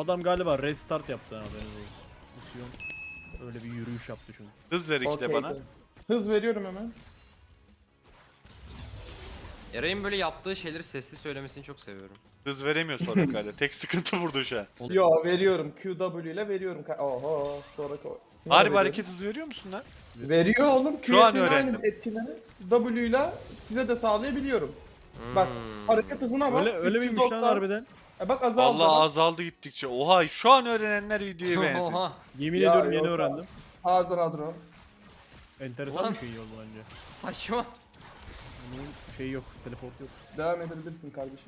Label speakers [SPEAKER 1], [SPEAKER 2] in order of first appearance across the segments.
[SPEAKER 1] Adam galiba restart yaptı, haberiniz olsun. Misyon öyle bir yürüyüş yaptı çünkü.
[SPEAKER 2] Hız ver iki de bana.
[SPEAKER 3] Hız veriyorum hemen.
[SPEAKER 4] Eray'ın böyle yaptığı şeyleri sesli söylemesini çok seviyorum.
[SPEAKER 2] Hız veremiyor sonra galiba. Tek sıkıntı burada şu an.
[SPEAKER 3] Yo veriyorum. QW ile veriyorum. Oho sonra koy.
[SPEAKER 2] Harbi hareket hızı veriyor musun lan?
[SPEAKER 3] Veriyor oğlum.
[SPEAKER 2] Şu an
[SPEAKER 3] Q'nin
[SPEAKER 2] öğrendim.
[SPEAKER 3] aynı etkileri W ile size de sağlayabiliyorum. Bak hareket hızına bak.
[SPEAKER 1] Öyle miymiş lan
[SPEAKER 3] 390.
[SPEAKER 1] harbiden?
[SPEAKER 3] Bak azaldı.
[SPEAKER 2] Vallahi
[SPEAKER 3] bak.
[SPEAKER 2] azaldı gittikçe. Oha şu an öğrenenler videoya benziyor.
[SPEAKER 4] Oha.
[SPEAKER 1] Yemin
[SPEAKER 3] Ya,
[SPEAKER 1] ediyorum yeni
[SPEAKER 3] yok.
[SPEAKER 1] öğrendim.
[SPEAKER 3] Hadro.
[SPEAKER 1] Enteresan
[SPEAKER 4] Ulan.
[SPEAKER 1] bir şey oldu bence.
[SPEAKER 4] Saçma.
[SPEAKER 1] Bunun şeyi yok, teleport yok.
[SPEAKER 3] Devam edebilirsin kardeşim.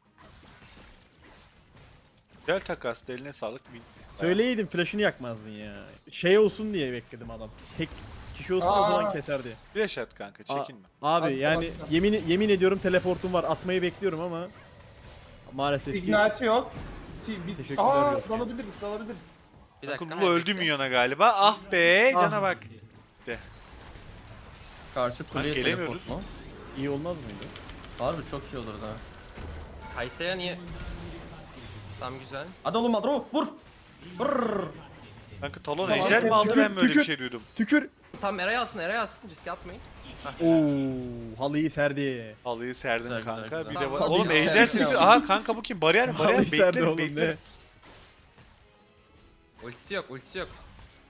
[SPEAKER 2] Gel takas eline sağlık.
[SPEAKER 1] Söyleyeydin flash'ını yakmazdın ya. Şey olsun diye bekledim adam. Tek kişi olsun o zaman keserdi.
[SPEAKER 2] Flash at kanka çekinme.
[SPEAKER 1] Abi
[SPEAKER 3] Atacağım,
[SPEAKER 1] yani
[SPEAKER 3] atacağım.
[SPEAKER 1] yemin ediyorum teleportum var. Atmayı bekliyorum ama maalesef ki
[SPEAKER 3] Ignite yok.
[SPEAKER 1] Teşekkürler,
[SPEAKER 3] Aa
[SPEAKER 1] yok.
[SPEAKER 3] dalabiliriz.
[SPEAKER 4] Bir dakika.
[SPEAKER 2] Kanka bu öldü milyona galiba. Ah be cana bak.
[SPEAKER 5] Karşı kuleye
[SPEAKER 2] gelemiyoruz.
[SPEAKER 5] teleport mu?
[SPEAKER 1] iyi olmaz mıydı?
[SPEAKER 5] Harbi çok iyi olurdu ha.
[SPEAKER 4] Kaysa'ya niye? Tam güzel.
[SPEAKER 5] Hadi oğlum Madro vur. Vur.
[SPEAKER 2] Kanka talon
[SPEAKER 3] Tamam,
[SPEAKER 2] ejder mi aldı, ben mi öyle bir
[SPEAKER 1] tükür.
[SPEAKER 2] şey duydum.
[SPEAKER 1] Tükür.
[SPEAKER 4] Tam Eray'ı alsın, Eray'ı alsın. Riske atmayın.
[SPEAKER 1] Oo, halıyı serdi.
[SPEAKER 2] Halıyı serdin
[SPEAKER 5] Güzel,
[SPEAKER 2] kanka.
[SPEAKER 5] güzel,
[SPEAKER 2] Bir
[SPEAKER 5] güzel.
[SPEAKER 2] de
[SPEAKER 4] Tamam,
[SPEAKER 2] oğlum
[SPEAKER 5] halıyı
[SPEAKER 2] ejder
[SPEAKER 5] serdim.
[SPEAKER 2] sesi. Aha kanka bu kim? Bariyer
[SPEAKER 1] Halıyı serdi oğlum
[SPEAKER 2] bekle.
[SPEAKER 1] ne?
[SPEAKER 4] Ultisi yok, ultisi yok.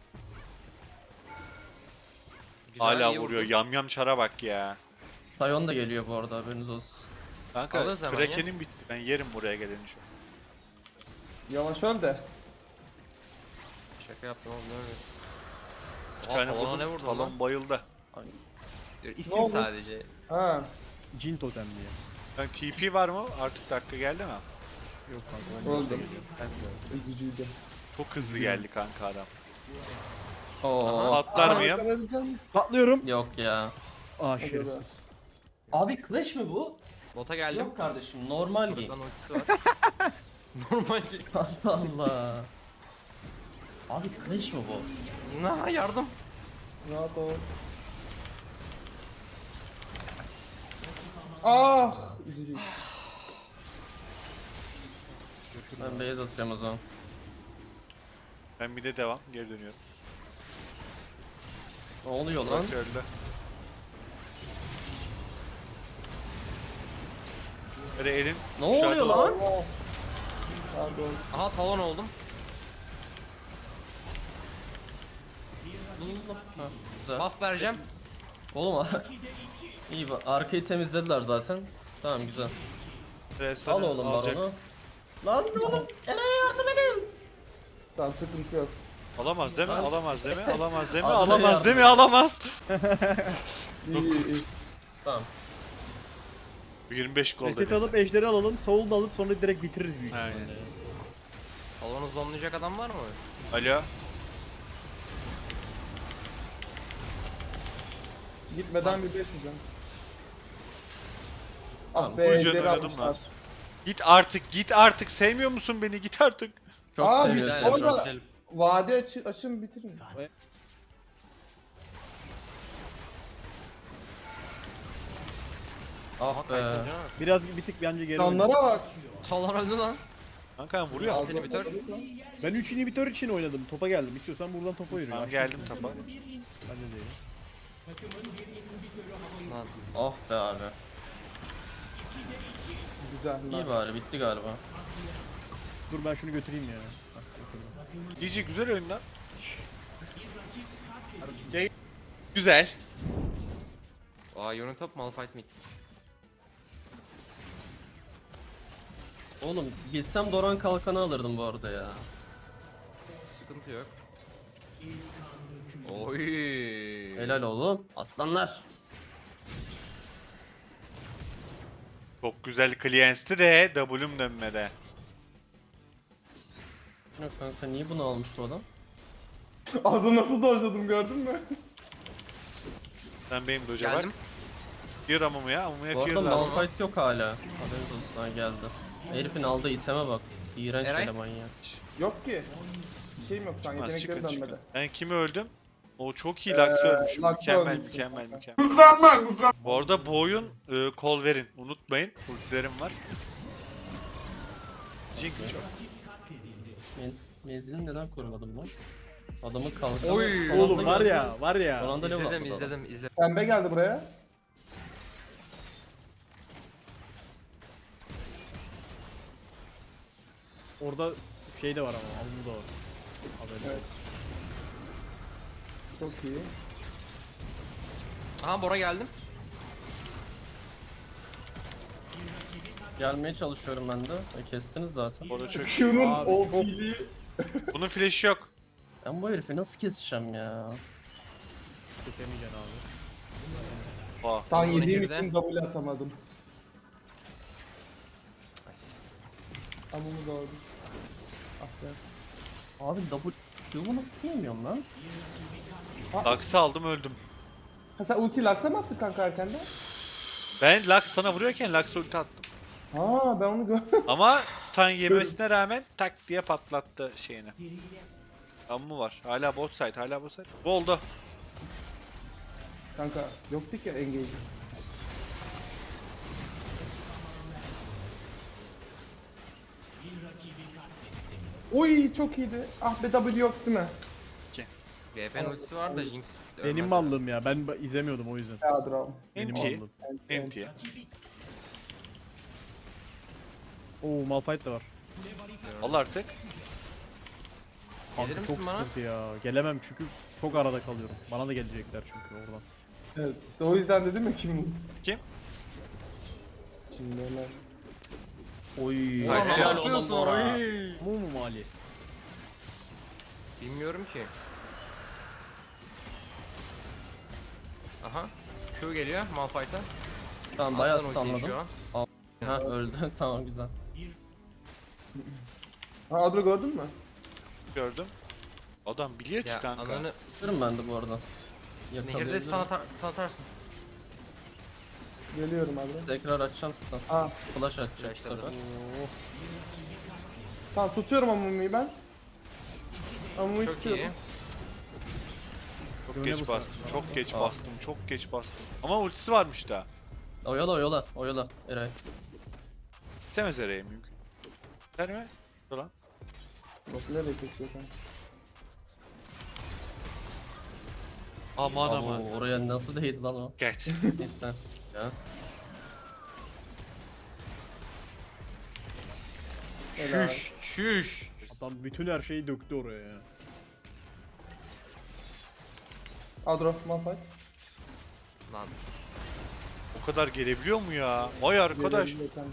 [SPEAKER 4] Güzel,
[SPEAKER 2] Hala
[SPEAKER 4] iyi
[SPEAKER 2] vuruyor.
[SPEAKER 4] vurdu.
[SPEAKER 2] Yam çara bak ya.
[SPEAKER 5] Sion da geliyor bu arada haberiniz olsun.
[SPEAKER 2] Kanka
[SPEAKER 4] Alırız hemen
[SPEAKER 2] Kraken'in bitti. Ben yerim buraya geleni şu an.
[SPEAKER 3] Yavaş öl de.
[SPEAKER 4] Şaka yaptım oğlum, ölmesin.
[SPEAKER 2] Bir tane
[SPEAKER 4] talona
[SPEAKER 2] vurdum.
[SPEAKER 4] ne vurdun
[SPEAKER 2] Talon
[SPEAKER 4] lan?
[SPEAKER 2] bayıldı.
[SPEAKER 4] İsim
[SPEAKER 3] Ne oldu?
[SPEAKER 4] sadece.
[SPEAKER 3] Ha.
[SPEAKER 1] Cin totem diye.
[SPEAKER 2] Yani TP var mı? Artık dakika geldi mi?
[SPEAKER 1] Yok kanka.
[SPEAKER 3] Öldüm. Üzücüydü.
[SPEAKER 2] Çok hızlı geldi kanka adam.
[SPEAKER 5] Oo.
[SPEAKER 2] Atlar mıyım?
[SPEAKER 1] Patlıyorum.
[SPEAKER 5] Yok ya.
[SPEAKER 1] Aa şerefsiz.
[SPEAKER 5] Abi Clash mi bu?
[SPEAKER 4] Bota geldim.
[SPEAKER 5] Yok kardeşim normal game.
[SPEAKER 4] Buradan ultisi var. Normal ki.
[SPEAKER 5] Allah Allah. Abi Clash mi bu?
[SPEAKER 4] Na yardım.
[SPEAKER 3] Rahat ol. Ah! Üzücü.
[SPEAKER 5] Ben base atıyorum o zaman.
[SPEAKER 2] Ben bir de devam. Geri dönüyorum.
[SPEAKER 5] Ne oluyor lan?
[SPEAKER 2] Bak öldü. Böyle elin
[SPEAKER 5] Ne oluyor lan?
[SPEAKER 3] Oh. Pardon.
[SPEAKER 4] Aha talon oldum.
[SPEAKER 5] Ha, güzel.
[SPEAKER 4] Buff vereceğim.
[SPEAKER 5] Oğlum iyi bak arkayı temizlediler zaten. Tamam güzel. Al oğlum baronu. Lan oğlum Eray'a yardım edin.
[SPEAKER 3] Tamam sıkıntı yok.
[SPEAKER 2] Alamaz değil mi? Alamaz değil mi? Alamaz değil mi?
[SPEAKER 5] Adına
[SPEAKER 2] Alamaz
[SPEAKER 5] yardım.
[SPEAKER 2] değil mi? Alamaz.
[SPEAKER 3] İyi.
[SPEAKER 5] Tamam.
[SPEAKER 2] 25 gol
[SPEAKER 1] Reset
[SPEAKER 2] dedi.
[SPEAKER 1] alıp ejderi alalım. Soul da alıp sonra direkt bitiririz büyük
[SPEAKER 2] Aynen.
[SPEAKER 1] ihtimalle.
[SPEAKER 4] Talonu zonlayacak adam var mı?
[SPEAKER 2] Alo.
[SPEAKER 3] Gitmeden bir 5 yiyeceğim.
[SPEAKER 5] Tamam,
[SPEAKER 3] Ah be
[SPEAKER 2] Burcu
[SPEAKER 3] ejderi
[SPEAKER 2] oynadım
[SPEAKER 3] almışlar.
[SPEAKER 2] lan. Git artık, git artık. Sevmiyor musun beni? Git artık.
[SPEAKER 5] Çok
[SPEAKER 3] Abi,
[SPEAKER 5] seviyorsun.
[SPEAKER 3] sonra-
[SPEAKER 5] Emre.
[SPEAKER 4] Bitirelim.
[SPEAKER 3] Vade açın bitirin.
[SPEAKER 5] Ah be.
[SPEAKER 4] Kaysın canım.
[SPEAKER 1] Biraz bir tık bence geri oynadım.
[SPEAKER 3] Canlara bak.
[SPEAKER 4] Talon öldü lan.
[SPEAKER 2] Kanka vuruyor.
[SPEAKER 4] Altı inhibitör.
[SPEAKER 1] Ben 3 inhibitör için oynadım. Topa geldim. İstiyorsan buradan topa yürü.
[SPEAKER 2] Tamam geldim tapa.
[SPEAKER 1] Ben de değilim.
[SPEAKER 4] Lazım.
[SPEAKER 5] Ah be abi.
[SPEAKER 3] Güzel.
[SPEAKER 5] İyi bari bitti galiba.
[SPEAKER 1] Dur ben şunu götüreyim ya.
[SPEAKER 2] GG güzel oyun lan. Güzel.
[SPEAKER 4] Aa Unitop Malphite mid.
[SPEAKER 5] Oğlum bilsem Doran kalkanı alırdım bu arada ya.
[SPEAKER 4] Sıkıntı yok. Oy.
[SPEAKER 5] Helal oğlum. Aslanlar.
[SPEAKER 2] Çok güzel Clients'ti de W'm dönmedi.
[SPEAKER 5] Yok kanka niye bunu almış bu adam?
[SPEAKER 3] Adı nasıl dojladım gördün mü?
[SPEAKER 2] Sen benim doja bak.
[SPEAKER 4] Geldim.
[SPEAKER 2] Fear Amumu'ya. Amumu'ya
[SPEAKER 5] Bu
[SPEAKER 2] fear
[SPEAKER 5] arada
[SPEAKER 2] lazım.
[SPEAKER 5] Malphite yok hala. Haberiniz olsun ha geldi. Herifin aldığı iteme bak. İğrenç
[SPEAKER 4] Eray?
[SPEAKER 5] eleman ya.
[SPEAKER 3] Yok ki. Bir şeyim yok şu an
[SPEAKER 2] Çıkmaz,
[SPEAKER 3] yetenekleri
[SPEAKER 2] çıkın
[SPEAKER 3] dönmedi.
[SPEAKER 2] çıkın. Ben kimi öldüm? O çok iyi Lux ölmüş.
[SPEAKER 3] Lux
[SPEAKER 2] Mükemmel,
[SPEAKER 3] ölmüşsün.
[SPEAKER 2] mükemmel. Bu arada bu oyun kol verin. Unutmayın. Ultilerim var. Jinx çok.
[SPEAKER 5] Menzilini neden korumadım lan? Adamın kalkanı...
[SPEAKER 4] Oy,
[SPEAKER 5] son anda
[SPEAKER 1] Oğlum var
[SPEAKER 5] geldi.
[SPEAKER 1] ya var
[SPEAKER 5] Son
[SPEAKER 1] ya.
[SPEAKER 5] anda level
[SPEAKER 4] İzledim
[SPEAKER 5] atladı adam.
[SPEAKER 4] izledim.
[SPEAKER 3] Pembe geldi buraya.
[SPEAKER 1] Orada şey de var ama alnı da var. Haberin.
[SPEAKER 3] Evet. Çok iyi.
[SPEAKER 4] Aha Bora geldim.
[SPEAKER 5] Gelmeye çalışıyorum ben de. Kestiniz zaten.
[SPEAKER 2] Orada çok.
[SPEAKER 3] Q'nun
[SPEAKER 1] Abi,
[SPEAKER 3] OP'liği.
[SPEAKER 2] Bunun flash'i yok.
[SPEAKER 5] Ben bu herifi nasıl keseceğim ya?
[SPEAKER 1] Kesemeyeceksin abi.
[SPEAKER 2] Aa.
[SPEAKER 3] Tan
[SPEAKER 4] Onu
[SPEAKER 3] yediğim
[SPEAKER 4] nehirde.
[SPEAKER 3] için W atamadım. Ama bunu doğru. Ah be.
[SPEAKER 5] Abi W'mu nasıl yemiyorum lan?
[SPEAKER 2] Lux'ı aldım öldüm.
[SPEAKER 3] Ha sen ulti Lux'a mı attın kanka erkenden?
[SPEAKER 2] Ben Lux sana vuruyorken Lux'a ulti attım.
[SPEAKER 3] Ha ben onu gördüm.
[SPEAKER 2] Ama stun yemesine rağmen tak diye patlattı şeyini. Amma var. Hala bot side, hala bot side. Bu oldu.
[SPEAKER 3] Kanka yoktu ki engage. Oy çok iyiydi. Ah be W yok değil mi?
[SPEAKER 4] VP'nin ultisi var da Jinx
[SPEAKER 1] Benim
[SPEAKER 4] ölmez.
[SPEAKER 1] mallım ya. Ben izlemiyordum o yüzden.
[SPEAKER 3] Ya Draw.
[SPEAKER 1] Benim
[SPEAKER 2] Enti.
[SPEAKER 1] mallım.
[SPEAKER 2] Enti.
[SPEAKER 1] Oo Malphite de var.
[SPEAKER 2] Al artık.
[SPEAKER 1] Kanka
[SPEAKER 4] Gelir
[SPEAKER 1] çok
[SPEAKER 4] misin bana?
[SPEAKER 1] sıkıntı ya. Gelemem çünkü çok arada kalıyorum. Bana da gelecekler çünkü oradan.
[SPEAKER 3] Evet işte o yüzden dedim ya kim
[SPEAKER 2] Kim?
[SPEAKER 3] Şimdi hemen.
[SPEAKER 5] Oy.
[SPEAKER 4] Hayır,
[SPEAKER 5] helal
[SPEAKER 4] helal
[SPEAKER 5] olsun
[SPEAKER 4] olsun.
[SPEAKER 5] Bora.
[SPEAKER 1] Mu mu Mali?
[SPEAKER 4] Bilmiyorum ki. Aha. Q geliyor Malphite'a.
[SPEAKER 5] Tamam bayağı
[SPEAKER 4] Alttan ultiyi
[SPEAKER 5] stunladım.
[SPEAKER 4] şu an.
[SPEAKER 5] Ha öldü. Tamam güzel.
[SPEAKER 3] Ha Adro gördün mü?
[SPEAKER 2] Gördüm. Adam biliyor ki
[SPEAKER 4] Ya
[SPEAKER 2] kanka.
[SPEAKER 4] ananı
[SPEAKER 5] Görüm ben de bu arada.
[SPEAKER 4] nehirde
[SPEAKER 5] Yakalayabilirim.
[SPEAKER 4] stun atarsın.
[SPEAKER 3] Geliyorum Adro.
[SPEAKER 5] Tekrar açacağım stun.
[SPEAKER 3] Aa
[SPEAKER 5] Flash atacak bu
[SPEAKER 4] Flashladı.
[SPEAKER 5] sefer.
[SPEAKER 3] tamam tutuyorum Amumi'yi ben. Amumi'yi
[SPEAKER 4] Çok
[SPEAKER 3] tutuyorum.
[SPEAKER 4] iyi.
[SPEAKER 2] Çok
[SPEAKER 1] Öyle
[SPEAKER 2] geç
[SPEAKER 1] bu
[SPEAKER 2] bastım,
[SPEAKER 1] sefer.
[SPEAKER 2] çok geç
[SPEAKER 5] Aa.
[SPEAKER 2] bastım, çok geç bastım. Ama ultisi varmış da.
[SPEAKER 5] Oyala Eray.
[SPEAKER 2] İstemez Eray'e mümkün. Der mi? Dur lan.
[SPEAKER 3] Bak nereye kesiyor kanka?
[SPEAKER 2] Aman
[SPEAKER 5] Abo,
[SPEAKER 2] aman.
[SPEAKER 5] oraya nasıl değdi lan o?
[SPEAKER 2] Get.
[SPEAKER 5] Neyse. Ya.
[SPEAKER 3] Helal.
[SPEAKER 4] Şüş.
[SPEAKER 1] Adam bütün her şeyi döktü oraya ya.
[SPEAKER 3] Adro Malphite.
[SPEAKER 4] Lan.
[SPEAKER 2] O kadar gelebiliyor mu ya? Vay arkadaş.
[SPEAKER 3] Geliyor kanka.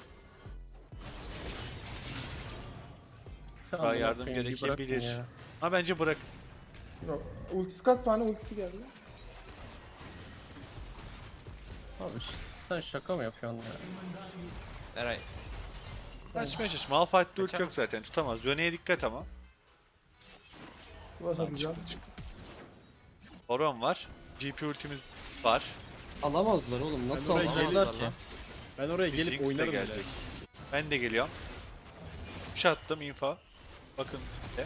[SPEAKER 2] Daha yardım
[SPEAKER 5] Bırakın, bir
[SPEAKER 2] gerekebilir.
[SPEAKER 5] bırakın ya.
[SPEAKER 2] Ha bence bırak.
[SPEAKER 3] Yok. Ultisi kaç saniye ultisi geldi?
[SPEAKER 5] Abi sen şaka mı yapıyorsun ya?
[SPEAKER 4] Eray.
[SPEAKER 2] Açmaya çalış. Malphite'de ult yok
[SPEAKER 4] Kaçamaz.
[SPEAKER 2] zaten. Tutamaz. Yöne'ye dikkat ama.
[SPEAKER 3] Ulaşamayacağım.
[SPEAKER 2] Baron var. GP ultimiz var.
[SPEAKER 5] Alamazlar oğlum. Nasıl
[SPEAKER 1] oraya
[SPEAKER 5] alacaklar
[SPEAKER 4] geldim
[SPEAKER 5] ki?
[SPEAKER 4] lan.
[SPEAKER 1] Ben oraya
[SPEAKER 2] Bir
[SPEAKER 1] gelip
[SPEAKER 2] Jinx de
[SPEAKER 1] oynarım
[SPEAKER 2] gelecek.
[SPEAKER 1] bile.
[SPEAKER 2] Ben de geliyorum. Push attım info. Bakın. De.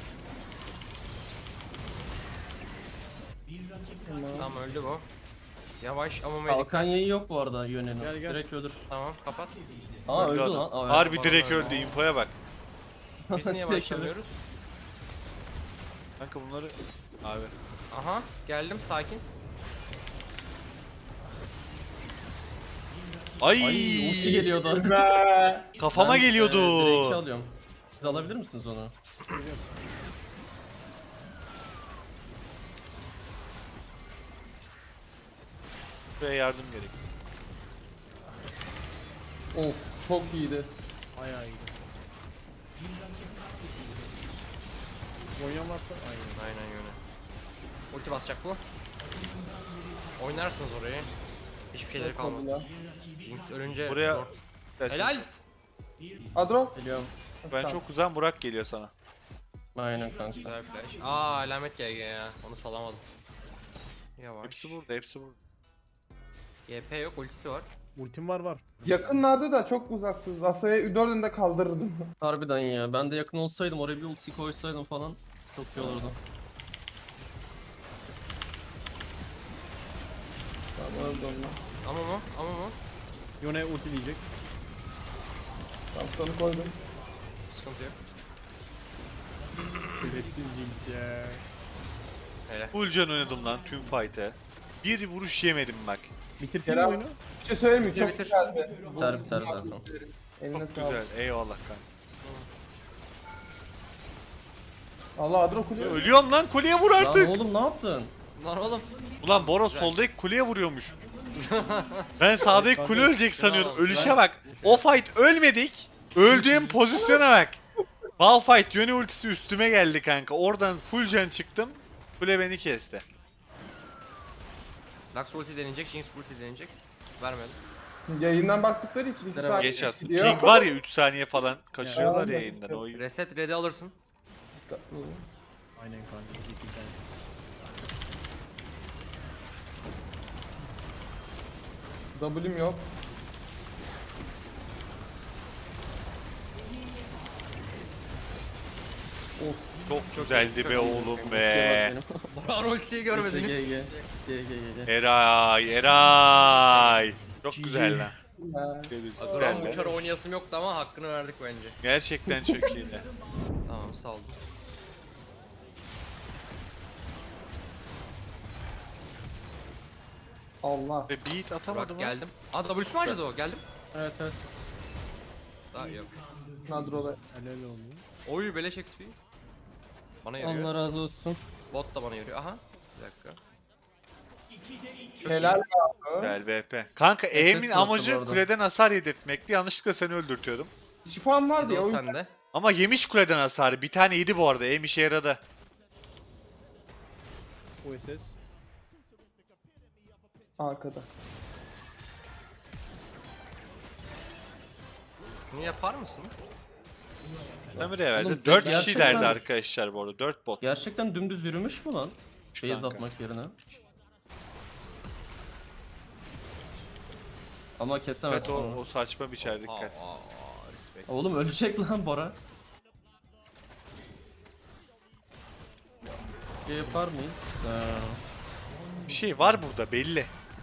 [SPEAKER 4] Tamam öldü bu. Yavaş ama medik.
[SPEAKER 5] Kalkan yayı yok bu arada yönenin.
[SPEAKER 1] Gel, gel.
[SPEAKER 5] Direkt ölür.
[SPEAKER 4] Tamam kapat.
[SPEAKER 5] Aa öldü
[SPEAKER 2] adam.
[SPEAKER 5] lan. Aa,
[SPEAKER 2] Harbi
[SPEAKER 4] Baron
[SPEAKER 2] direkt
[SPEAKER 4] öldü.
[SPEAKER 2] öldü. Infoya bak.
[SPEAKER 4] Biz niye
[SPEAKER 5] Direkt ölür.
[SPEAKER 4] başlamıyoruz?
[SPEAKER 2] Kanka bunları... Abi.
[SPEAKER 4] Aha geldim sakin.
[SPEAKER 2] Ay!
[SPEAKER 5] Ay ulti geliyordu.
[SPEAKER 2] Kafama
[SPEAKER 5] Ben,
[SPEAKER 2] geliyordu.
[SPEAKER 5] Drake'i alıyorum. Siz alabilir misiniz onu?
[SPEAKER 2] Buraya yardım gerek.
[SPEAKER 3] Of çok iyiydi.
[SPEAKER 1] Bayağı iyi. Oynayan varsa aynen.
[SPEAKER 4] Aynen öyle. Ulti basacak bu. Oynarsınız orayı. Hiçbir şeyleri kalmadı.
[SPEAKER 3] Kaldı.
[SPEAKER 4] Jinx ölünce
[SPEAKER 2] Buraya...
[SPEAKER 4] zor.
[SPEAKER 2] Dersin.
[SPEAKER 4] Helal.
[SPEAKER 3] Adro.
[SPEAKER 5] Geliyorum.
[SPEAKER 2] Ben çok uzağım. Burak geliyor sana.
[SPEAKER 5] Aynen kanka.
[SPEAKER 4] Güzel flash. Aa alamet GG ya. Onu salamadım. Yavaş.
[SPEAKER 2] Hepsi burada. Hepsi burada.
[SPEAKER 4] GP yok ultisi var.
[SPEAKER 1] Ultim var.
[SPEAKER 3] Yakınlarda da çok uzaksınız. Asaya 4'ünü de kaldırırdım.
[SPEAKER 5] Harbiden ya. Ben de yakın olsaydım oraya bir ulti koysaydım falan çok iyi olurdu.
[SPEAKER 3] Tamam öldü onlar.
[SPEAKER 4] Ama mı?
[SPEAKER 1] Yone ulti diyecek.
[SPEAKER 3] Tamam sana koydum.
[SPEAKER 4] Sıkıntı yok.
[SPEAKER 1] Şerefsiz Jinx ya.
[SPEAKER 4] Hele.
[SPEAKER 2] Full can oynadım lan tüm fight'e. Bir vuruş yemedim bak.
[SPEAKER 1] Bitirdin mi
[SPEAKER 3] Kerem,
[SPEAKER 1] oyunu?
[SPEAKER 3] bir şey söyleyeyim mi?
[SPEAKER 4] Bitir,
[SPEAKER 3] Çok
[SPEAKER 4] bitir.
[SPEAKER 3] güzeldi.
[SPEAKER 5] Biter zaten.
[SPEAKER 3] Eline sağlık.
[SPEAKER 2] Güzel eyvallah kanka.
[SPEAKER 3] Allah Adro kuruyor.
[SPEAKER 2] Ölüyorum lan kuleye vur
[SPEAKER 5] Lan
[SPEAKER 2] artık.
[SPEAKER 5] oğlum ne yaptın?
[SPEAKER 4] Lan oğlum.
[SPEAKER 2] Ulan Boros soldaki kuleye vuruyormuş. Ben sağdaki kule ölecek sanıyordum. Ölüşe bak. O fight ölmedik. Öldüğüm pozisyona bak. Malphite yöne ultisi üstüme geldi kanka. Oradan full can çıktım. Kule beni kesti.
[SPEAKER 4] Lux ulti deneyecek, Jinx ulti deneyecek. Vermedim.
[SPEAKER 3] Yayından baktıkları için 2
[SPEAKER 5] Geç
[SPEAKER 3] saat
[SPEAKER 2] Geç attım.
[SPEAKER 3] gidiyor.
[SPEAKER 2] King var ya 3 saniye falan kaçırıyorlar
[SPEAKER 3] Ya,
[SPEAKER 2] ya yayından. O
[SPEAKER 4] Reset ready alırsın.
[SPEAKER 1] Aynen kanka. Zeki
[SPEAKER 3] W'm yok.
[SPEAKER 2] çok güzeldi be oğlum
[SPEAKER 5] Şey
[SPEAKER 2] be.
[SPEAKER 4] Baran ultiyi görmediniz.
[SPEAKER 2] Eray. Çok güzel lan.
[SPEAKER 3] Ha.
[SPEAKER 4] Agron
[SPEAKER 2] Güzel
[SPEAKER 4] uçar
[SPEAKER 2] be.
[SPEAKER 4] oynayasım yoktu ama hakkını verdik bence.
[SPEAKER 2] Gerçekten çok iyi.
[SPEAKER 4] Tamam saldım.
[SPEAKER 3] Allah.
[SPEAKER 2] Ve beat atamadı
[SPEAKER 4] Burak
[SPEAKER 2] mı?
[SPEAKER 4] geldim. Aa W'su mu harcadı o? Geldim.
[SPEAKER 5] Evet evet.
[SPEAKER 4] Daha yok.
[SPEAKER 3] Nadro'da.
[SPEAKER 1] Helal oldu.
[SPEAKER 4] Oy beleş XP. Bana yarıyor.
[SPEAKER 5] Allah razı olsun.
[SPEAKER 4] Bot da bana yarıyor. Aha. Bir dakika. Çok
[SPEAKER 3] Helal
[SPEAKER 4] iyi.
[SPEAKER 3] ya.
[SPEAKER 2] Güzel BP. Kanka E'min
[SPEAKER 5] nasıl
[SPEAKER 2] amacı
[SPEAKER 5] bu arada?
[SPEAKER 2] kuleden hasar yedirtmekti. Yanlışlıkla seni öldürtüyordum.
[SPEAKER 3] Şifam vardı ya.
[SPEAKER 4] Fiddle
[SPEAKER 3] O yüzden
[SPEAKER 4] sende.
[SPEAKER 2] Ama yemiş kuleden hasarı. Bir tane yedi bu arada. E'm işe yaradı.
[SPEAKER 1] OSS.
[SPEAKER 3] arkada.
[SPEAKER 4] Bunu yapar mısın?
[SPEAKER 2] Ömür'e verdi.
[SPEAKER 5] Oğlum,
[SPEAKER 2] 4
[SPEAKER 5] gerçekten-
[SPEAKER 2] kişilerdi arkadaşlar bu arada. 4 bot.
[SPEAKER 5] Gerçekten dümdüz yürümüş mü lan? Base
[SPEAKER 2] kanka.
[SPEAKER 5] atmak yerine. Ama
[SPEAKER 2] Evet
[SPEAKER 5] kesemezsin
[SPEAKER 2] o,
[SPEAKER 5] onu.
[SPEAKER 2] o saçma biçer dikkat.
[SPEAKER 4] Respect.
[SPEAKER 5] Oğlum ölecek lan Bora. Şey yapar mıyız?
[SPEAKER 2] Bir şey var burada belli.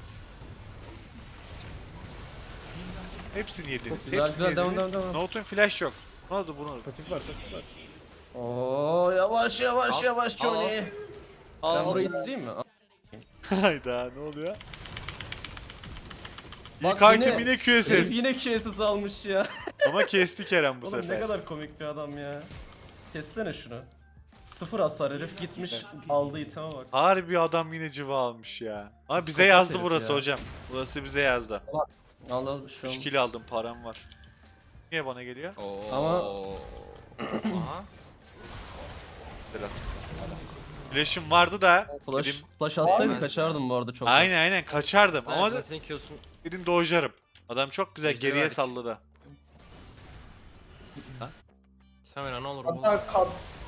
[SPEAKER 2] Hepsini yediniz.
[SPEAKER 5] güzel,
[SPEAKER 2] Hepsini
[SPEAKER 5] güzel, devam,
[SPEAKER 2] yediniz.
[SPEAKER 5] devam, devam.
[SPEAKER 2] Note'un flash yok. Ne oldu bunu?
[SPEAKER 1] Pasif var, pasif var.
[SPEAKER 5] Oo yavaş yavaş
[SPEAKER 4] Al,
[SPEAKER 5] yavaş
[SPEAKER 4] al.
[SPEAKER 5] Johnny. Ben burayı itireyim mi?
[SPEAKER 2] Hayda ne oluyor?
[SPEAKER 5] Bak
[SPEAKER 2] İlk item
[SPEAKER 5] yine-
[SPEAKER 2] yine
[SPEAKER 5] Herif
[SPEAKER 2] QSS.
[SPEAKER 5] yine QSS almış ya.
[SPEAKER 2] Ama kesti Kerem bu
[SPEAKER 5] Oğlum
[SPEAKER 2] sefer.
[SPEAKER 5] ne kadar komik bir adam ya. Kessene şunu. Sıfır hasar herif gitmiş aldığı iteme bak.
[SPEAKER 2] Harbi adam yine cıva almış ya. Ama bize
[SPEAKER 5] Psikopat
[SPEAKER 2] yazdı
[SPEAKER 5] herif
[SPEAKER 2] burası
[SPEAKER 5] ya.
[SPEAKER 2] hocam. Burası bize yazdı.
[SPEAKER 5] Al al şu
[SPEAKER 2] 3
[SPEAKER 5] an.
[SPEAKER 2] kill aldım param var. Niye bana geliyor?
[SPEAKER 4] Oo.
[SPEAKER 5] Ama-
[SPEAKER 4] Aha.
[SPEAKER 2] Biraz. Flash'ım vardı da.
[SPEAKER 5] Flash,
[SPEAKER 2] Dedim,
[SPEAKER 5] flash atsaydı
[SPEAKER 4] Aynen.
[SPEAKER 5] kaçardım bu arada çok.
[SPEAKER 2] aynen kaçardım ama
[SPEAKER 4] Sen senin Q'sun.
[SPEAKER 2] dedim dojlarım. Adam çok güzel
[SPEAKER 4] Ejderi
[SPEAKER 2] geriye
[SPEAKER 4] verdik.
[SPEAKER 2] salladı.
[SPEAKER 4] Samira ne olur oğlum.
[SPEAKER 3] Hatta kat.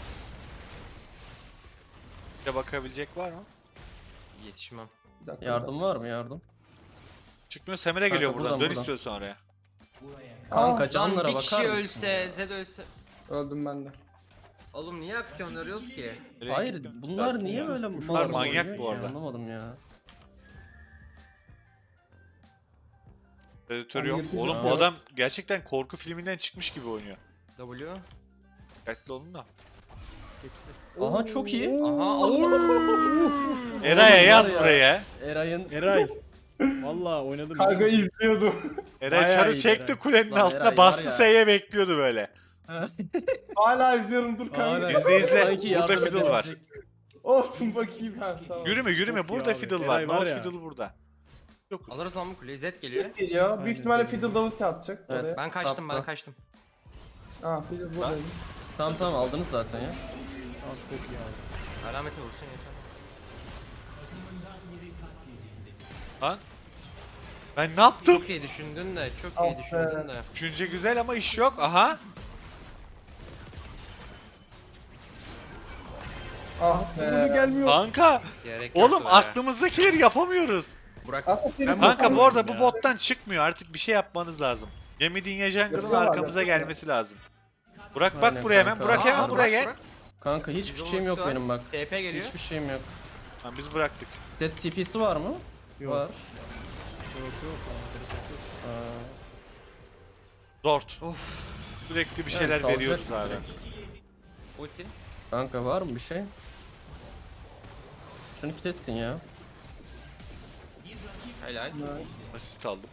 [SPEAKER 2] Bir de bakabilecek var mı?
[SPEAKER 4] Yetişmem.
[SPEAKER 3] Bir dakika,
[SPEAKER 5] Yardım var mı yardım?
[SPEAKER 2] Çıkmıyor Semer'e geliyor
[SPEAKER 5] Kanka,
[SPEAKER 2] buradan.
[SPEAKER 5] buradan,
[SPEAKER 2] Dön
[SPEAKER 5] buradan.
[SPEAKER 2] istiyorsan oraya.
[SPEAKER 5] Kanka
[SPEAKER 3] Aa,
[SPEAKER 5] canlara
[SPEAKER 4] bir
[SPEAKER 5] bakar
[SPEAKER 4] kişi
[SPEAKER 5] mısın?
[SPEAKER 4] ölse, Zed ölse.
[SPEAKER 3] öldüm ben de.
[SPEAKER 4] Oğlum niye aksiyon arıyoruz ki?
[SPEAKER 2] Nereye
[SPEAKER 5] Hayır
[SPEAKER 2] gittin?
[SPEAKER 5] bunlar niye böyle
[SPEAKER 2] Bunlar
[SPEAKER 5] mal
[SPEAKER 2] manyak
[SPEAKER 5] oynuyor
[SPEAKER 2] bu
[SPEAKER 5] ki?
[SPEAKER 2] arada.
[SPEAKER 5] Anlamadım ya.
[SPEAKER 2] Predatör
[SPEAKER 3] Abi
[SPEAKER 2] yok.
[SPEAKER 3] yırtıcı
[SPEAKER 2] Oğlum bu
[SPEAKER 3] yok.
[SPEAKER 2] adam gerçekten korku filminden çıkmış gibi oynuyor.
[SPEAKER 4] W.
[SPEAKER 2] Dikkatli olun da.
[SPEAKER 5] Aha çok iyi.
[SPEAKER 4] Aha.
[SPEAKER 2] Eray'a yaz
[SPEAKER 5] var ya.
[SPEAKER 2] buraya.
[SPEAKER 5] Eray'ın
[SPEAKER 1] Eray. Valla oynadım.
[SPEAKER 3] Karga izliyordu.
[SPEAKER 2] Eray
[SPEAKER 1] Bayağı
[SPEAKER 2] çarı
[SPEAKER 1] iyiydi
[SPEAKER 2] çekti
[SPEAKER 1] Eray.
[SPEAKER 2] kulenin
[SPEAKER 5] Lan
[SPEAKER 2] altına
[SPEAKER 5] Eray
[SPEAKER 2] bastı
[SPEAKER 5] var ya.
[SPEAKER 2] S'ye bekliyordu böyle.
[SPEAKER 3] Hala izliyorum dur
[SPEAKER 5] Aynen.
[SPEAKER 3] kanka.
[SPEAKER 2] İzle, izle.
[SPEAKER 5] Sanki
[SPEAKER 2] Burada
[SPEAKER 5] yardım
[SPEAKER 2] fiddle var.
[SPEAKER 5] edebilecek.
[SPEAKER 3] Olsun bakayım ben tamam.
[SPEAKER 2] Yürüme yürüme
[SPEAKER 1] Çok iyi
[SPEAKER 2] burada
[SPEAKER 1] abi.
[SPEAKER 2] fiddle var.
[SPEAKER 1] Eray var
[SPEAKER 2] Not
[SPEAKER 1] ya.
[SPEAKER 2] fiddle burada. Yok.
[SPEAKER 4] Alırız lan bu kuleyi. Zed geliyor.
[SPEAKER 3] Geliyor. Büyük
[SPEAKER 1] Aynen,
[SPEAKER 3] ihtimalle
[SPEAKER 1] aynen.
[SPEAKER 3] Fiddle Davut atacak
[SPEAKER 5] Evet.
[SPEAKER 3] oraya.
[SPEAKER 4] Ben kaçtım ben
[SPEAKER 5] Tapta.
[SPEAKER 4] kaçtım.
[SPEAKER 3] Aa Fiddle buradayım.
[SPEAKER 5] Tamam tamam aldınız zaten ya.
[SPEAKER 1] Tamam, çok iyi abi.
[SPEAKER 4] Alamete vursun yeter.
[SPEAKER 2] Lan. Ben ne yaptım?
[SPEAKER 4] Çok iyi düşündün de, çok
[SPEAKER 3] Ah
[SPEAKER 4] iyi
[SPEAKER 3] be.
[SPEAKER 4] düşündün de.
[SPEAKER 2] Düşünce güzel ama iş yok. Aha.
[SPEAKER 3] Ah
[SPEAKER 1] Bunu
[SPEAKER 3] be.
[SPEAKER 1] gelmiyor.
[SPEAKER 2] Kanka.
[SPEAKER 4] Gerek yoktu
[SPEAKER 2] Oğlum
[SPEAKER 4] be.
[SPEAKER 2] aklımızdakileri yapamıyoruz.
[SPEAKER 4] Burak.
[SPEAKER 3] Aslında senin
[SPEAKER 2] Kanka bu arada bu
[SPEAKER 1] ya.
[SPEAKER 2] bottan çıkmıyor. Artık bir şey yapmanız lazım. Gemi Dinya Jungle'ın
[SPEAKER 3] Yapıyorlar,
[SPEAKER 2] arkamıza
[SPEAKER 3] yapıyorlar.
[SPEAKER 2] gelmesi lazım. Burak bak
[SPEAKER 5] Aynen
[SPEAKER 2] buraya hemen.
[SPEAKER 5] kanka.
[SPEAKER 2] Burak
[SPEAKER 4] Aa,
[SPEAKER 2] hemen buraya gel.
[SPEAKER 4] Burak.
[SPEAKER 5] Kanka hiçbir şeyim yok
[SPEAKER 4] Ultisi var.
[SPEAKER 5] benim bak.
[SPEAKER 4] TP geliyor.
[SPEAKER 5] Hiçbir şeyim yok.
[SPEAKER 2] Tamam biz bıraktık.
[SPEAKER 5] Set TP'si var mı?
[SPEAKER 1] Yok.
[SPEAKER 5] Var.
[SPEAKER 1] Yok yok.
[SPEAKER 5] Aa,
[SPEAKER 2] Dort. Sürekli bir şeyler
[SPEAKER 5] salacak
[SPEAKER 2] veriyoruz
[SPEAKER 5] mı
[SPEAKER 2] abi.
[SPEAKER 5] direkt?
[SPEAKER 4] Ulti.
[SPEAKER 5] Kanka var mı bir şey? Şunu kessin ya.
[SPEAKER 4] Helal.
[SPEAKER 2] Asist aldım.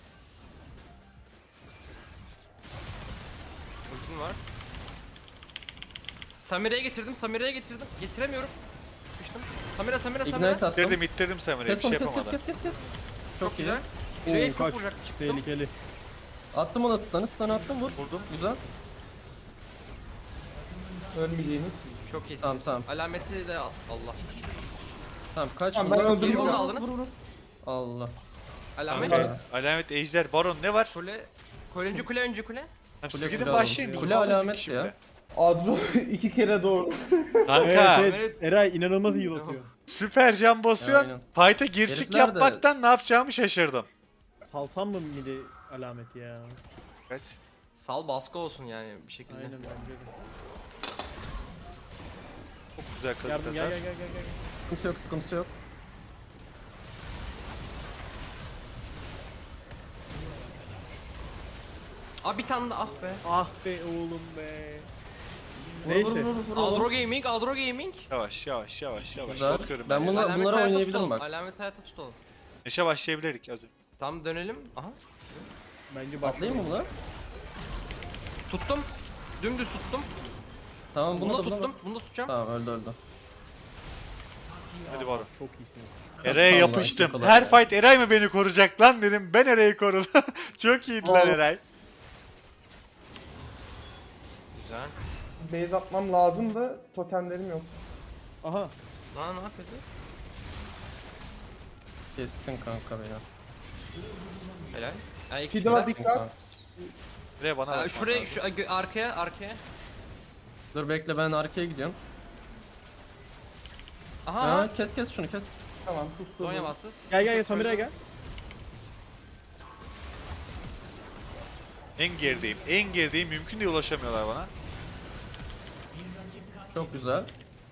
[SPEAKER 4] Ultim var. Samira'ya getirdim. Getiremiyorum. Sıkıştım. Samira.
[SPEAKER 5] Ignite attım.
[SPEAKER 2] İttirdim Samira'ya bir
[SPEAKER 5] Kes
[SPEAKER 2] şey
[SPEAKER 5] onu, kes
[SPEAKER 2] yapamadı.
[SPEAKER 5] kes.
[SPEAKER 4] Çok
[SPEAKER 5] iyi.
[SPEAKER 4] güzel.
[SPEAKER 1] Oo,
[SPEAKER 4] Yüreğe çok
[SPEAKER 1] kaç.
[SPEAKER 4] vuracak. Çıktım.
[SPEAKER 1] Tehlikeli.
[SPEAKER 5] Attım ona tutanı, stun attım, vur.
[SPEAKER 2] Vurdum.
[SPEAKER 5] Güzel.
[SPEAKER 3] Ölmeyeceğiniz.
[SPEAKER 4] Çok iyisiniz.
[SPEAKER 5] Tamam.
[SPEAKER 4] Alameti de Allah.
[SPEAKER 5] Tamam kaç.
[SPEAKER 3] Tamam, ben
[SPEAKER 5] vur.
[SPEAKER 3] öldüm.
[SPEAKER 4] Onu da aldınız.
[SPEAKER 5] Allah.
[SPEAKER 4] Alamet.
[SPEAKER 2] Kanka, alamet, ejder, baron ne var?
[SPEAKER 4] Kule. Önce kule.
[SPEAKER 2] Tamam,
[SPEAKER 5] Kule
[SPEAKER 2] siz gidin
[SPEAKER 5] kule
[SPEAKER 2] başlayın.
[SPEAKER 5] alın.
[SPEAKER 2] biz
[SPEAKER 5] Kule
[SPEAKER 2] alırız
[SPEAKER 5] alamet
[SPEAKER 2] şimdi.
[SPEAKER 5] ya.
[SPEAKER 3] Adro 2 kere doğru.
[SPEAKER 2] Kanka
[SPEAKER 1] Evet. Eray inanılmaz iyi atıyor.
[SPEAKER 2] süper can basıyorsun.
[SPEAKER 5] Aynen.
[SPEAKER 2] Fight'a girişik
[SPEAKER 5] Herifler de-
[SPEAKER 2] yapmaktan ne yapacağımı şaşırdım.
[SPEAKER 1] Salsam mı midi alameti ya?
[SPEAKER 2] Evet.
[SPEAKER 4] Sal baskı olsun yani bir şekilde.
[SPEAKER 1] Aynen bence de.
[SPEAKER 2] Çok güzel kazık
[SPEAKER 1] Yardım
[SPEAKER 2] atar.
[SPEAKER 1] gel.
[SPEAKER 5] Sıkıntı yok.
[SPEAKER 4] Aa bir tane daha ah be.
[SPEAKER 1] Ah be oğlum be.
[SPEAKER 5] Vur,
[SPEAKER 1] Neyse.
[SPEAKER 5] vur.
[SPEAKER 4] Aldro Gaming.
[SPEAKER 2] Yavaş.
[SPEAKER 5] Güzel.
[SPEAKER 2] Bakıyorum
[SPEAKER 5] Ben
[SPEAKER 2] ben.
[SPEAKER 5] bunu-
[SPEAKER 4] Alamet
[SPEAKER 5] bunlara
[SPEAKER 4] hayatta
[SPEAKER 5] oynayabilirim
[SPEAKER 4] tutalım.
[SPEAKER 5] bak.
[SPEAKER 4] Alamet hayatta tutalım.
[SPEAKER 2] Neşe başlayabilirdik az önce.
[SPEAKER 4] Tam dönelim. Aha.
[SPEAKER 1] Bence
[SPEAKER 5] Atlayayım mı buna?
[SPEAKER 4] Tuttum. Dümdüz tuttum.
[SPEAKER 5] Tamam
[SPEAKER 4] Bunu da
[SPEAKER 5] buna.
[SPEAKER 4] tuttum. Bunu da tutacağım.
[SPEAKER 5] Tamam öldü.
[SPEAKER 2] Hadi baron.
[SPEAKER 1] Çok iyisiniz.
[SPEAKER 2] Eray'a
[SPEAKER 5] Vallahi
[SPEAKER 2] yapıştım.
[SPEAKER 5] çok kolay
[SPEAKER 2] Her
[SPEAKER 5] ya.
[SPEAKER 2] fight Eray mı beni koruyacak lan dedim. Ben Eray'ı korudum. Çok iyiydiler
[SPEAKER 3] Aa.
[SPEAKER 2] Eray.
[SPEAKER 4] Güzel.
[SPEAKER 3] Base atmam lazım da totemlerim yok.
[SPEAKER 1] Aha.
[SPEAKER 4] Lan ne yapıyordu?
[SPEAKER 5] Kessin kanka beni.
[SPEAKER 4] Helal. Ha,
[SPEAKER 3] Bir
[SPEAKER 4] eksik
[SPEAKER 3] daha
[SPEAKER 4] biraz.
[SPEAKER 3] dikkat.
[SPEAKER 2] Eray bana bak.
[SPEAKER 4] Şuraya arkaya.
[SPEAKER 5] Dur bekle, ben arkaya gidiyorum.
[SPEAKER 4] Aha.
[SPEAKER 5] Ha, kes şunu kes.
[SPEAKER 3] Tamam sustum.
[SPEAKER 4] Donya bastı.
[SPEAKER 1] Gel Samira'ya gel.
[SPEAKER 2] En gerideyim. Mümkün değil, ulaşamıyorlar bana.
[SPEAKER 5] Çok güzel.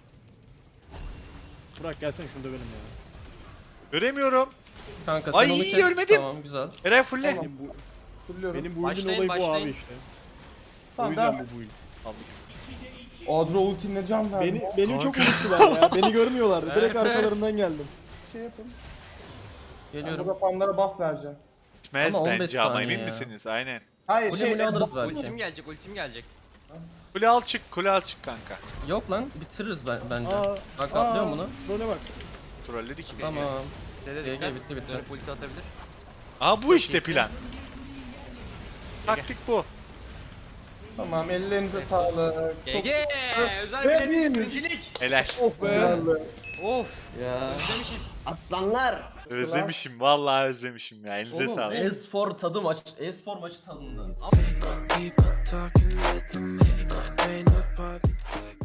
[SPEAKER 1] Burak gelsene şunu dövelim ya.
[SPEAKER 2] Göremiyorum.
[SPEAKER 5] Kanka sen
[SPEAKER 2] Ay,
[SPEAKER 5] onu kes.
[SPEAKER 2] ölmedim.
[SPEAKER 5] Tamam güzel.
[SPEAKER 2] Eray fulle.
[SPEAKER 3] Tamam.
[SPEAKER 1] Benim bu
[SPEAKER 3] Fırlıyorum.
[SPEAKER 1] benim bu build'in
[SPEAKER 4] Başlayın,
[SPEAKER 1] olayı bu
[SPEAKER 4] başlayın.
[SPEAKER 1] abi işte. O
[SPEAKER 3] Tamam,
[SPEAKER 1] yüzden
[SPEAKER 3] devam.
[SPEAKER 1] bu build.
[SPEAKER 3] Adro ultimle can verdi.
[SPEAKER 1] Beni çok unuttular ya. Beni görmüyorlardı. Direkt
[SPEAKER 4] Evet,
[SPEAKER 1] arkalarından geldim.
[SPEAKER 3] Şey yapın.
[SPEAKER 5] Geliyorum.
[SPEAKER 3] Burada fanlara buff vereceğim.
[SPEAKER 2] Gitmez
[SPEAKER 5] Ama 15
[SPEAKER 2] bence ama
[SPEAKER 5] saniye
[SPEAKER 2] emin
[SPEAKER 5] ya.
[SPEAKER 2] misiniz? Aynen.
[SPEAKER 3] Hayır
[SPEAKER 5] Mule alırız belki.
[SPEAKER 4] Ultim gelecek.
[SPEAKER 2] Kule al çık kanka.
[SPEAKER 5] Yok lan, bitiririz bence.
[SPEAKER 1] Aa,
[SPEAKER 5] Bak atlıyorum bunu.
[SPEAKER 1] Böyle bak.
[SPEAKER 2] Trolledi ki beni.
[SPEAKER 5] Tamam.
[SPEAKER 4] Size de
[SPEAKER 5] GG,
[SPEAKER 4] dikkat.
[SPEAKER 5] bitti.
[SPEAKER 4] Dönüp ulti atabilir.
[SPEAKER 2] Aha bu işte
[SPEAKER 4] iyisin.
[SPEAKER 2] plan. Taktik bu.
[SPEAKER 3] Tamam, ellerinize sağlık.
[SPEAKER 4] GG. Özel
[SPEAKER 3] Ve
[SPEAKER 4] bilet.
[SPEAKER 3] bir-
[SPEAKER 4] Birincilik.
[SPEAKER 2] Helal.
[SPEAKER 1] Oh be.
[SPEAKER 3] Güzeldi.
[SPEAKER 4] Of.
[SPEAKER 5] Ya.
[SPEAKER 4] Özlemişiz.
[SPEAKER 5] Aslanlar.
[SPEAKER 2] Özlemişim, vallahi özlemişim ya. Elinize
[SPEAKER 5] Oğlum
[SPEAKER 2] sağlık.
[SPEAKER 5] e-spor tadı maç, e-spor maçı tadında.
[SPEAKER 6] People talking with me, ain't nobody